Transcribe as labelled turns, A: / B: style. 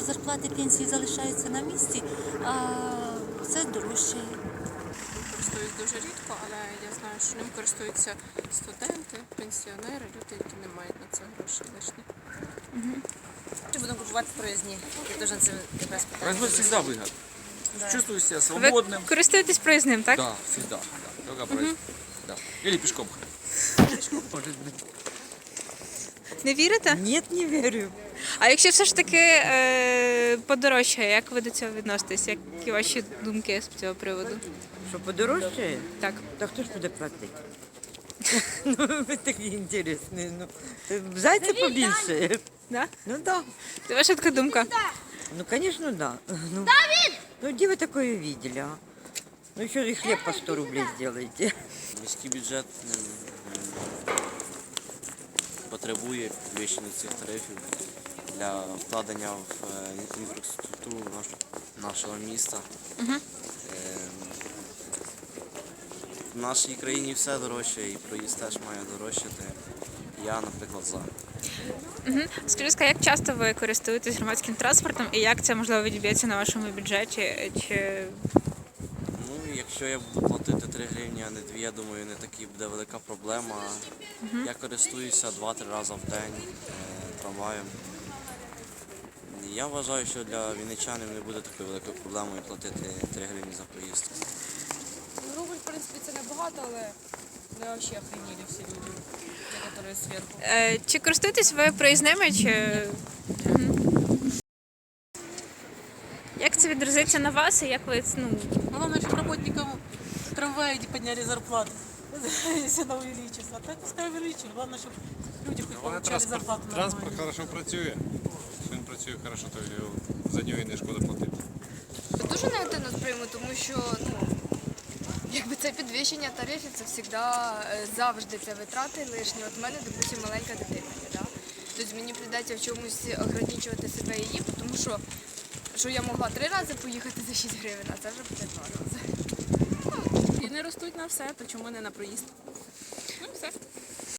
A: що зарплати, пенсії залишаються на місці, а все дорожчає.
B: Користуюсь дуже рідко, але я знаю, що ним користуються студенти, пенсіонери, люди, які не мають на це грошей лишні.
C: Чи будемо купувати проїзні? Я теж на це якраз питаю.
D: Проездной всегда выгодно. Чувствую себя
E: Ви
D: свободным.
E: користуєтесь проїзним, так?
D: Да, всегда. Да. Только проезд. Да. Или пешком. Может быть.
E: Не вірите?
C: Ні, не вірю.
E: А якщо все ж таки подорожчає, як ви до цього відноситесь? Які ваші думки з цього приводу?
F: Що подорожчає?
E: Так.
F: Та хто ж буде платити? Ну, ви такі інтересні. Ну, зайця побільше.
E: Да?
F: Ну да.
E: Це ваша така думка?
F: Ну, конечно, да. Ну, где вы такое видели, а? Ну, еще и хлеб по 100 рублей сделаете.
G: Міський бюджет потребує підвищення цих тарифів для вкладення в інфраструктуру нашого міста. В нашій країні все дорожче і проїзд теж має дорожчати. Я, наприклад, за.
E: Скажіть, як часто ви користуєтесь громадським транспортом і як це, можливо, відб'ється на вашому бюджеті? Чи...
G: Ну, якщо я буду платити 3 гривні, а не 2, я думаю, не така буде велика проблема. Я користуюся 2-3 рази в день трамваєм. Я вважаю, що для вінничанів не буде такою великою проблемою платити 3 гривні за проїзд.
B: Рубль, в принципі, це небагато, але не взагалі охренели всі люди, які зверху.
E: Чи користуєтесь ви проїзними? Чи... Як це відразиться на вас і як ви...
H: Главное, чтобы работникам трамвая не подняли зарплату, если она увеличится. А так пускай увеличит. Главное, чтобы люди хоть получали зарплату
I: Транспорт
H: нормально.
I: хорошо працює. Якщо він працює хорошо, то за нього і не шкода платити.
J: Дуже негативно сприйму, тому що якби це підвищення тарифів, це завжди це витрати лишні. От в мене, допустимо, маленька дитина є, да? Тобто мені прийдеться в чомусь ограничувати себе і її, тому що я могла 3 рази поїхати за 6 гривень, а це вже буде 2 рази.
B: І не ростуть на все, то чому не на проїзд?